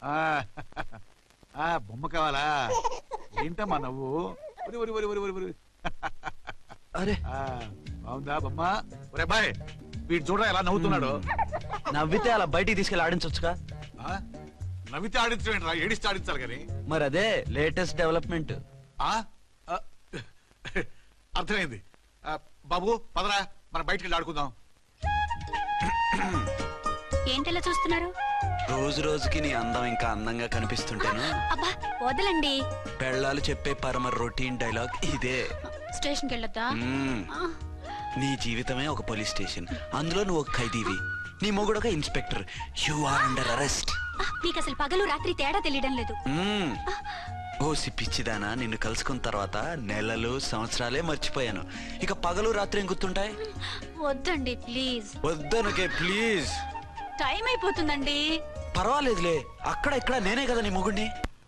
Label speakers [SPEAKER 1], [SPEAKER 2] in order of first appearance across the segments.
[SPEAKER 1] బొమ్మ కావాలా? ఏంటమ్మా నవ్వు?
[SPEAKER 2] అరే
[SPEAKER 1] బాగుందా బొమ్మ? ఒరే బాయ్, వీడు చూడరా ఎలా నవ్వుతున్నాడు.
[SPEAKER 2] నవ్వితే అలా బయటికి తీసుకెళ్ళి ఆడించొచ్చుగా.
[SPEAKER 1] నవ్వితే ఆడించడం ఏంట్రా, ఏడిస్తే ఆడించాలి కానీ.
[SPEAKER 2] మరి అదే లేటెస్ట్ డెవలప్మెంట్.
[SPEAKER 1] అర్థమైంది. బాబు పదరా, మనం బయటికి వెళ్ళి ఆడుకుందాం.
[SPEAKER 3] ఏంటలా చూస్తున్నారు?
[SPEAKER 2] రోజు రోజుకి నీ అందం ఇంకా అందంగా కనిపిస్తుంటాను.
[SPEAKER 3] అబ్బా వదలండి.
[SPEAKER 2] పెళ్ళాలు చెప్పే పరమ రొటీన్ డైలాగ్ ఇదే.
[SPEAKER 3] స్టేషన్కి వెళ్ళొద్దా?
[SPEAKER 2] నీ జీవితమే ఒక పోలీస్ స్టేషన్, అందులో నువ్వు ఒక ఖైదీవి, నీ మొగుడు ఒక inspector. You are under arrest.
[SPEAKER 3] నీకు అసలు పగలు రాత్రి తేడా తెలియడం లేదు.
[SPEAKER 2] ఓ సిప్పిచ్చిదానా, నిన్ను కలుసుకున్న తర్వాత నెలలు సంవత్సరాలే మర్చిపోయాను. ఇక పగలు రాత్రి ఏం గుర్తుంటాయి?
[SPEAKER 3] వద్దండి ప్లీజ్.
[SPEAKER 2] వద్దనుకే ప్లీజ్.
[SPEAKER 3] టైం అయిపోతుందండి.
[SPEAKER 2] పర్వాలేదులే, అక్కడ ఇక్కడ నేనే కదా నీ మొగుడిని.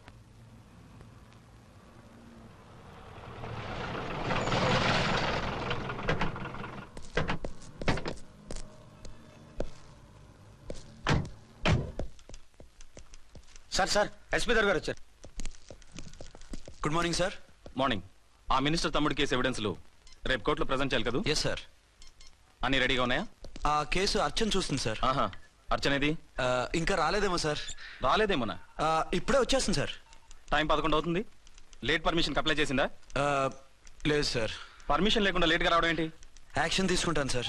[SPEAKER 4] సార్ సార్ ఎస్పీ గారు వచ్చారు.
[SPEAKER 2] Good morning sir.
[SPEAKER 5] మార్నింగ్. ఆ మినిస్టర్ తమ్ముడి కేసు ఎవిడెన్స్లు రేపు కోర్టులో ప్రెజెంట్ చేయాలి కదా?
[SPEAKER 2] Yes sir.
[SPEAKER 5] అన్ని రెడీగా ఉన్నాయా?
[SPEAKER 2] ఆ కేసు అర్చన చూస్తుంది సార్.
[SPEAKER 5] అర్చనేది?
[SPEAKER 2] ఇంకా రాలేదేమో సార్.
[SPEAKER 5] రాలేదేమోనా?
[SPEAKER 2] ఇప్పుడే వచ్చేస్తుంది సార్.
[SPEAKER 5] టైం 11 అవుతుంది. లేట్ పర్మిషన్ అప్లై చేసిందా?
[SPEAKER 2] లేదు సార్.
[SPEAKER 5] పర్మిషన్ లేకుండా లేట్గా రావడం ఏంటి?
[SPEAKER 2] యాక్షన్ తీసుకుంటాను సార్.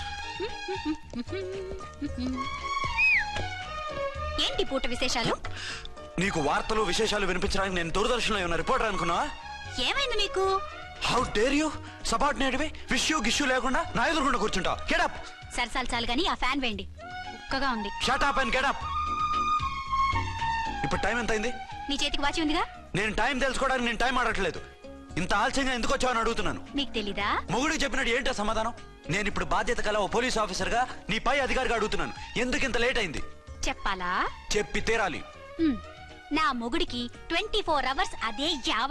[SPEAKER 3] ఏంటి పూట విశేషాలు?
[SPEAKER 2] నీకు వార్తలు విశేషాలు వినిపించడానికి నేను దూరదర్శన్లో ఉన్న రిపోర్టర్ అనుకున్నావా?
[SPEAKER 3] ఏమైంది మీకు?
[SPEAKER 2] హౌ డేర్ యూ సబార్డినేట్వి విష్యూ గిష్యూ లేకుండా నా ఎదురుకుండా కూర్చుంటావు. Get up.
[SPEAKER 3] సరసాలు చాలు గానీ ఆ ఫ్యాన్ వేయండి, ఉక్కగా ఉంది.
[SPEAKER 2] Shut up and get up. ఇప్పుడు టైం ఎంత అయింది?
[SPEAKER 3] నీ చేతికి వాచి ఉందిగా.
[SPEAKER 2] నేను టైం తెలుసుకోవడానికి నేను టైం ఆడట్లేదు. ఇంత ఆలస్యంగా ఎందుకు వచ్చావని అడుగుతున్నాను.
[SPEAKER 3] మీకు తెలీదా?
[SPEAKER 2] మొగుడికి చెప్పినట్టు ఏంటో సమాధానం? నేను ఇప్పుడు బాధ్యత కల ఓ పోలీస్ ఆఫీసర్ గా నీ పై అధికారిగా అడుగుతున్నాను, ఎందుకు ఇంత లేట్ అయింది?
[SPEAKER 3] చెప్పాలా?
[SPEAKER 2] చెప్పి తీరాలి.
[SPEAKER 3] నా మొగుడికి 24 hours అదే యావ.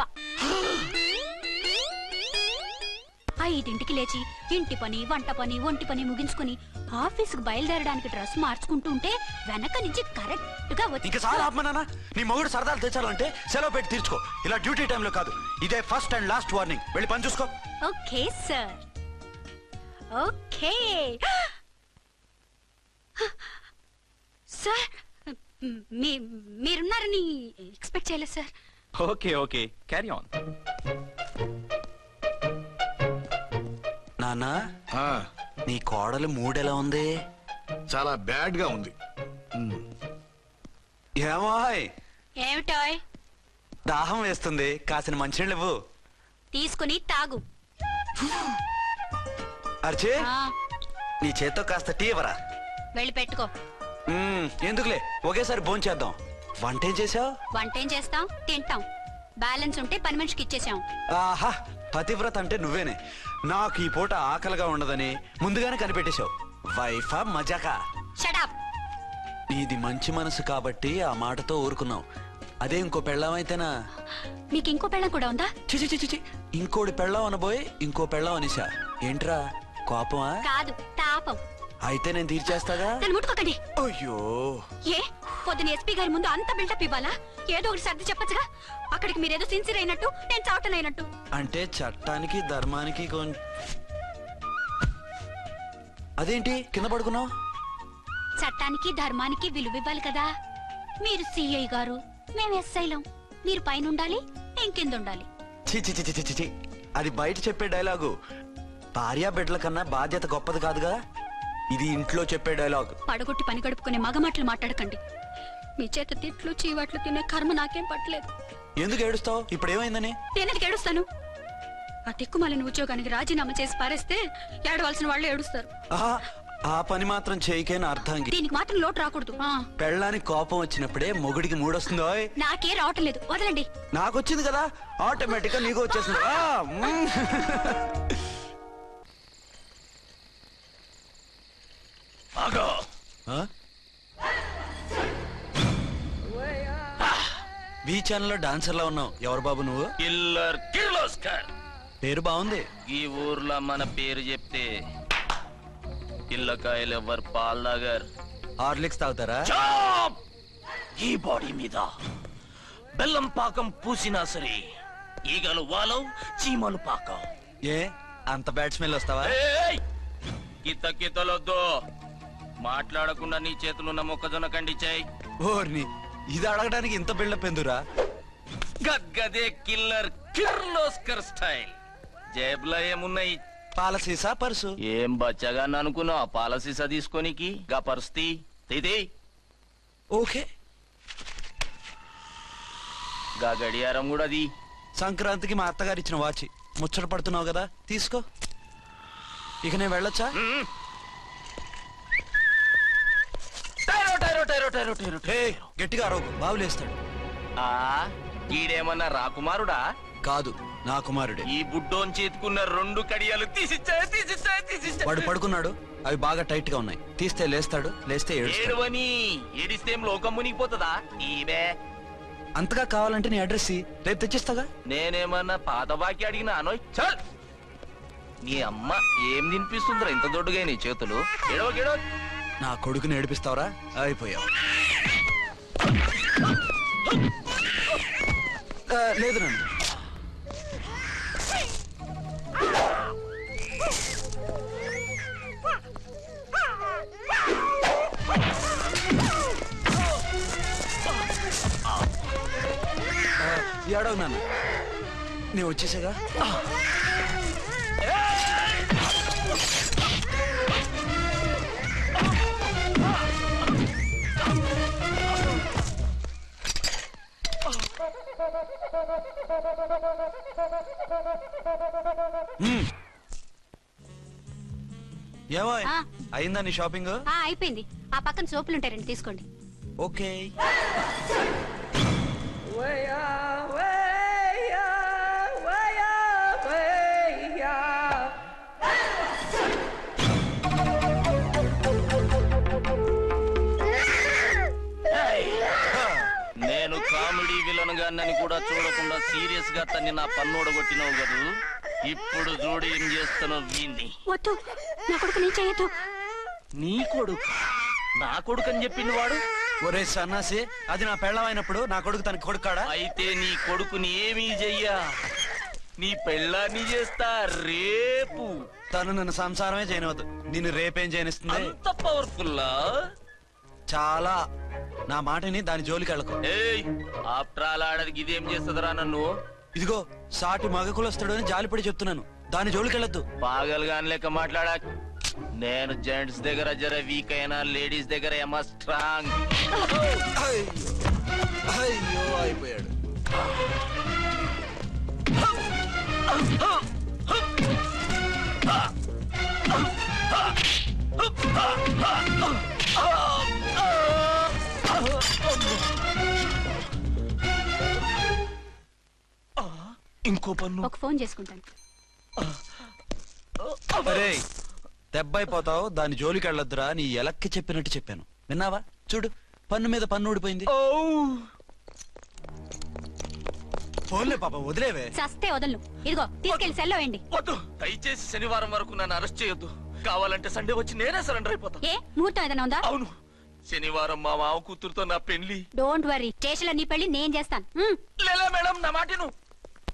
[SPEAKER 3] 5ంటికి లేచి ఇంటి పని, వంట పని, ఒంటి పని ముగించుకుని ఆఫీసుకు బయలుదేరడానికి డ్రెస్ మార్చుకుంటూ ఉంటే వెనక నుంచి కరెక్ట్ గా వచ్చి.
[SPEAKER 2] ఇంకా చాలా ఆపమన్నానా? నీ మొగుడు సరదాలు తెచ్చాలంటే సెలవు పెట్టి తీర్చుకో, ఇలా డ్యూటీ టైంలో కాదు. ఇదే ఫస్ట్ అండ్ లాస్ట్ వార్నింగ్. వెళ్ళి పని చూసుకో.
[SPEAKER 3] Okay sir. Okay sir. మీరున్నారని ఎక్స్పెక్ట్ చేయలేదు sir.
[SPEAKER 5] Okay okay, carry on.
[SPEAKER 2] నానా, నీ కోడలు మూడెలా ఉంది?
[SPEAKER 1] చాలా బ్యాడ్ గా ఉంది.
[SPEAKER 2] ఏమాయ్?
[SPEAKER 3] ఏమిటాయ్?
[SPEAKER 2] దాహం వేస్తుంది, కాసిన మంచినీళ్ళు ఇవ్వు.
[SPEAKER 3] తీసుకుని తాగు.
[SPEAKER 2] అర్చే, నీ చేత్తో కాస్త టీ ఇవ్వరా.
[SPEAKER 3] వెళ్ళి పెట్టుకో.
[SPEAKER 2] ఎందుకులే, ఒకేసారి భోంచేద్దాం. వంటేం చేసావు?
[SPEAKER 3] వంటేం చేస్తాం, తింటాం. బ్యాలెన్స్ ఉంటే పని మనిషికి ఇచ్చేసాం.
[SPEAKER 2] ఆహా, పతివ్రత అంటే నువ్వేనే. నాకు ఈ పూట ఆకలిగా ఉండదని ముందుగానే కనిపెట్టేశావు. వైఫా మజాకా?
[SPEAKER 3] Shut up.
[SPEAKER 2] నీది మంచి మనసు కాబట్టి ఆ మాటతో ఊరుకున్నావు. అదే ఇంకో పెళ్ళం అయితేనా?
[SPEAKER 3] మీకు ఇంకో పెళ్ళం కూడా ఉందా?
[SPEAKER 2] చిచి చిచి, ఇంకోటి పెళ్ళం అనబోయి ఇంకో పెళ్ళం అనిసా. ఏంట్రా కోపమా?
[SPEAKER 3] కాదు, తాపం.
[SPEAKER 2] అయితే నేను తీర్చేస్తాగా.
[SPEAKER 3] ముట్టుకోకండి.
[SPEAKER 2] అయ్యో,
[SPEAKER 3] ఏ పొద్దున ఎస్పీ గారి ముందు అంత బిల్డప్ ఇవ్వాలా? ఏదో ఒకటి సర్ది చెప్పచ్చుగా. అక్కడికి మీరేదో సిన్సియర్ అయినట్టు, నేను చావటం అయినట్టు.
[SPEAKER 2] అంటే చట్టానికి ధర్మానికి అదేంటి కింద పడుకున్నావు?
[SPEAKER 3] చట్టానికి ధర్మానికి విలువ ఇవ్వాలి కదా. మీరు సిఐ గారు, మేము ఎస్ఐలం. మీరు పైన ఉండాలి, నేను కింద ఉండాలి.
[SPEAKER 2] చి, అది బయట చెప్పే డైలాగు. భార్యా బిడ్డల కన్నా బాధ్యత గొప్పది కాదుగా. ఇది ఇంట్లో చెప్పే డైలాగ్.
[SPEAKER 3] పడగొట్టి పని గడుపుకునే మగ మాటలు మాట్లాడకండి. మీ చేత తిట్లు చీవాట్లు తినే కర్మ నాకేం పట్టలేదు.
[SPEAKER 2] ఎందుకు ఏడుస్తావు? ఇప్పుడు ఏమైందని?
[SPEAKER 3] నేనెందుకు ఏడుస్తాను? ఆ తిక్కుమాలిన ఉద్యోగానికి రాజీనామా చేసి పారేస్తే ఏడవలసిన వాళ్ళు ఏడుస్తారు.
[SPEAKER 2] ఆ పని మాత్రం చేయకేనా అర్థం?
[SPEAKER 3] దీనికి మాత్రం లోటు రాకూడదు.
[SPEAKER 2] పెళ్ళానికి కోపం వచ్చినప్పుడే మొగుడికి మూడొస్తుందో?
[SPEAKER 3] నాకే రావటం లేదు, వదలండి.
[SPEAKER 2] నాకు వచ్చింది కదా, ఆటోమేటిక్ గా నీకు వచ్చేసింది. బీ ఛానల్ లో డాన్సర్ లా ఉన్నావు. ఎవరు బాబు నువ్వు?
[SPEAKER 6] కిల్లర్ కిర్లోస్కర్.
[SPEAKER 2] పేరు బాగుంది.
[SPEAKER 6] ఈ ఊర్లో మన పేరు చెప్తే పిల్లకాయలు ఎవరు పాల్దాగర్.
[SPEAKER 2] హార్లిక్స్ తాగుతారా?
[SPEAKER 6] ఈ బాడీ మీద బెల్లం పాకం పూసినా సరే ఈగలు వాలవు, చీమలు పాకం.
[SPEAKER 2] ఏ అంత బ్యాడ్ స్మెల్ వస్తావా?
[SPEAKER 6] ఏయ్! కిత కితలొద్దు. మాట్లాడకుండా నీ చేతులున్న మొక్కజొన్న కండిచాయి.
[SPEAKER 2] ఓర్ని ఇది అడగడానికి ఇంత బిల్డప్ ఎందురా?
[SPEAKER 6] గద్గదే కిల్లర్ కిర్లోస్కర్ స్టైల్. జేబులో ఏమున్నాయి?
[SPEAKER 2] పాలసీసా పర్సు?
[SPEAKER 6] ఏం బచ్చగా అనుకున్నావు పాలసీసా తీసుకోనికి? గా పరిస్థితి ఇది
[SPEAKER 2] ఓకే.
[SPEAKER 6] గా గడియారం కూడా అది.
[SPEAKER 2] సంక్రాంతికి మా అత్తగారు ఇచ్చిన వాచి. ముచ్చట పడుతున్నావు కదా, తీసుకో. ఇక నేను వెళ్ళొచ్చా?
[SPEAKER 6] టైరో టైరో టైరో టైరో టైరో
[SPEAKER 2] హే, గట్టిగా అరవకు, బావులేస్తాడు.
[SPEAKER 6] ఆ ఈడేమన్నా రాకుమారుడా?
[SPEAKER 2] కాదు, నా కుమారుడే.
[SPEAKER 6] ఈ బుడ్డోన్ చేతుకున్న 2 కడియాలు తీసిచ్చా.
[SPEAKER 2] వాడు పడుకున్నాడు, అవి బాగా టైట్ గా ఉన్నాయి. తీస్తే లేస్తాడు, లేస్తే ఏడుస్తాడు.
[SPEAKER 6] ఏడవని ఏడిస్తే ఏం లోకం మునిగిపోతుందా? ఈబే
[SPEAKER 2] అంతగా కావాలంటే నీ అడ్రస్ రేపు తెచ్చిస్తాగా.
[SPEAKER 6] నేనేమన్నా పాత బాకి అడిగినా అనోయ్. చల్, నీ అమ్మ ఏం తినిపిస్తుందిరా ఇంత దొడ్డుగా నీ చేతులు? ఎడవ
[SPEAKER 2] నా కొడుకుని ఏడిపిస్తావరా? అయిపోయావు. లేదు నన్ను. ఏడవు నాన్న, నేను వచ్చేసాగా. ఏమో
[SPEAKER 3] ఆ.
[SPEAKER 2] అయిందా నీ షాపింగ్?
[SPEAKER 3] అయిపోయింది. ఆ పక్కన సోపులు ఉంటాయి, రండి తీసుకోండి.
[SPEAKER 2] ఓకే.
[SPEAKER 6] నేను కామెడీ విలన్ గాన్నని కూడా చూడకుండా సీరియస్ గా తన్ని నా పన్నోడ కొట్టినావు కదూ. ఇప్పుడు చూడు ఏం చేస్తానో వీణ్ణి.
[SPEAKER 3] వద్దు, నా కొడుకు నేను చేయొద్దు.
[SPEAKER 6] నీ కొడుకు నా కొడుకు అని చెప్పింది వాడు.
[SPEAKER 2] ఒరే సన్నాసి, అది నా పెళ్ళమైనప్పుడు నా కొడుకు తన కొడుకాడా?
[SPEAKER 6] అయితే నీ కొడుకుని ఏమీ చెయ్యా, నీ పెళ్ళాన్ని చేస్తా రేపు.
[SPEAKER 2] తను నన్ను సంసారమే చేయనవద్దు, నిన్ను రేపేం చేయనిస్తుంది?
[SPEAKER 6] అంత పవర్ఫుల్లా?
[SPEAKER 2] చాలా. నా మాటని దాని జోలికి వెళ్ళకు.
[SPEAKER 6] ఏయ్, ఆఫ్టర్ ఆల్ ఆడదికి ఇదేం చేస్తుందిరా నన్ను?
[SPEAKER 2] ఇదిగో సాటి మగకులొస్తాడు అని జాలిపడి చెప్తున్నాను, దాని జోలికి వెళ్ళొద్దు.
[SPEAKER 6] పాగలుగాని లెక్క మాట్లాడా. నేను జెంట్స్ దగ్గర జర వీక్ అయినా లేడీస్ దగ్గర ఏమో స్ట్రాంగ్.
[SPEAKER 2] అయ్యో అయిపోయాడు.
[SPEAKER 6] ఇంకో పన్ను.
[SPEAKER 3] ఒక ఫోన్ చేసుకుంటాను.
[SPEAKER 2] అరే దెబ్బైపోతావు, దాని జోలికి వెళ్ళొద్దురా. నీ ఎలక్కి చెప్పినట్టు చెప్పాను, విన్నావా? చూడు, పన్ను మీద పన్ను ఊడిపోయింది. ఫోన్లే పాప, వదిలేవే.
[SPEAKER 3] చస్తే వదలను. ఇదిగో తీసుకెళ్లి సెల్లో వేయండి.
[SPEAKER 6] వద్దు, దయచేసి శనివారం వరకు నన్ను అరెస్ట్ చేయొద్దు. కావాలంటే సండే వచ్చి నేనే సరెండర్ అయిపోతా.
[SPEAKER 3] ఏ ముహూర్తం ఏదైనా ఉందా?
[SPEAKER 6] అవును, శనివారం మా మామ కూతురుతో నా పెళ్లి.
[SPEAKER 3] డోంట్ వరీ, స్టేషన్ లో నీ పెళ్లి నేను చేస్తాను.
[SPEAKER 6] లేలా మేడం, నా మాటను